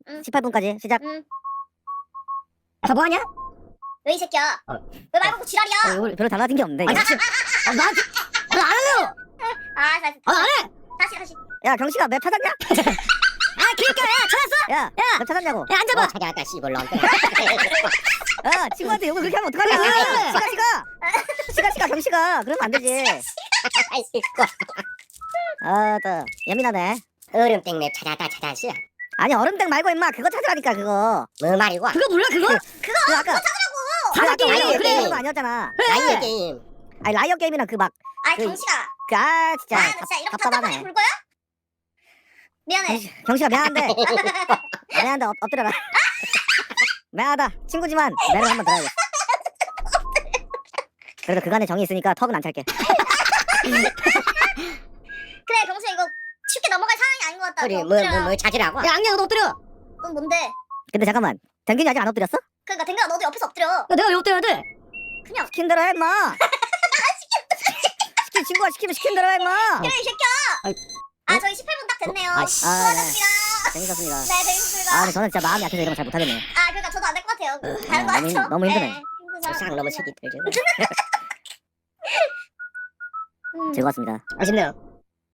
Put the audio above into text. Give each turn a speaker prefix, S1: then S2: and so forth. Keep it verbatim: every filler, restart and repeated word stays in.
S1: 응.
S2: 십팔 분까지 시작.
S1: 응.
S2: 다 뭐하냐?
S1: 왜 이 새끼야?
S2: 어.
S1: 왜 말 걸고 지랄이야?
S2: 어, 이거 별로 달라진 게 없는데. 이거. 아, 나한테 아, 안 할래요.
S1: 아, 다시,
S2: 아, 안 해.
S1: 다시, 다시.
S2: 야, 경식아 맵 찾았냐? 아, 그니까 야, 찾았어? 야, 야, 맵 찾았냐고. 야, 앉아봐.
S3: 찾아왔다 씨발로 안
S2: 야, 친구한테 욕을 그렇게 하면 어떡하냐? 시가, 시가. 시가, 시가, 경식아. 그러면 안 되지. 아, 또 예민하네.
S3: 얼음땡 찾아다 찾았어.
S2: 아니, 얼음땡 말고 임마 그거 찾으라니까 그거.
S3: 뭐 말이고?
S2: 그거 몰라 그거?
S1: 그거,
S2: 그 아까
S1: 찾으라고!
S2: 사자
S3: 라이어
S2: 게임
S3: 게임.
S2: 그래 거 아니었잖아.
S3: 라이어 게임.
S2: 아니 라이어 게임이랑 그 막
S1: 아이,
S2: 그-
S1: 경식아.
S2: 그 아 진짜
S1: 아, 나 진짜 이렇게 답답하게
S2: 답답하네.
S1: 볼 거야? 미안해.
S2: 경식- 경식아 미안한데 아, 미안한데 엎, 엎드려라. 미안하다 친구지만 매를 한번 들어야겠어. 그래도 그간의 정이 있으니까 턱은 안 찰게.
S1: 그래, 경식아, 이거 쉽게 넘어갈 상황이 아닌 것 같다.
S3: 우리
S1: 너
S3: 뭐뭐
S1: 엎드려라.
S3: 뭐 찾으라고?
S2: 야 악녀 너 엎드려.
S1: 넌 뭔데?
S2: 근데 잠깐만 댕균이 아직 안 엎드렸어?
S1: 그러니까 댕겨야 너도 옆에서 엎드려.
S2: 야, 내가 왜 엎드려야 돼?
S1: 그냥.
S2: 시킨 대로 해 임마. 시킨 친구가 시키면 시킨 대로 해 임마.
S1: 그래, 이 새끼야!
S2: 아이,
S1: 아, 저희 십팔 분 딱 됐네요.
S3: 아, 씨.
S2: 아, 네.
S1: 수고하셨습니다.
S2: 재밌었습니다.
S1: 네, 재밌었습니다.
S2: 아 근데 저는 진짜 마음이 약해서 이런 거 잘 못하겠네.
S1: 아, 그러니까 저도 안 될 것 같아요. 다른 거
S2: 너무
S1: 하죠?
S2: 힘- 너무 힘드네.
S1: 네, 힘드죠.
S3: 세상 너무 색이 들죠.
S1: 음.
S2: 즐거웠습니다.
S3: 아쉽네요.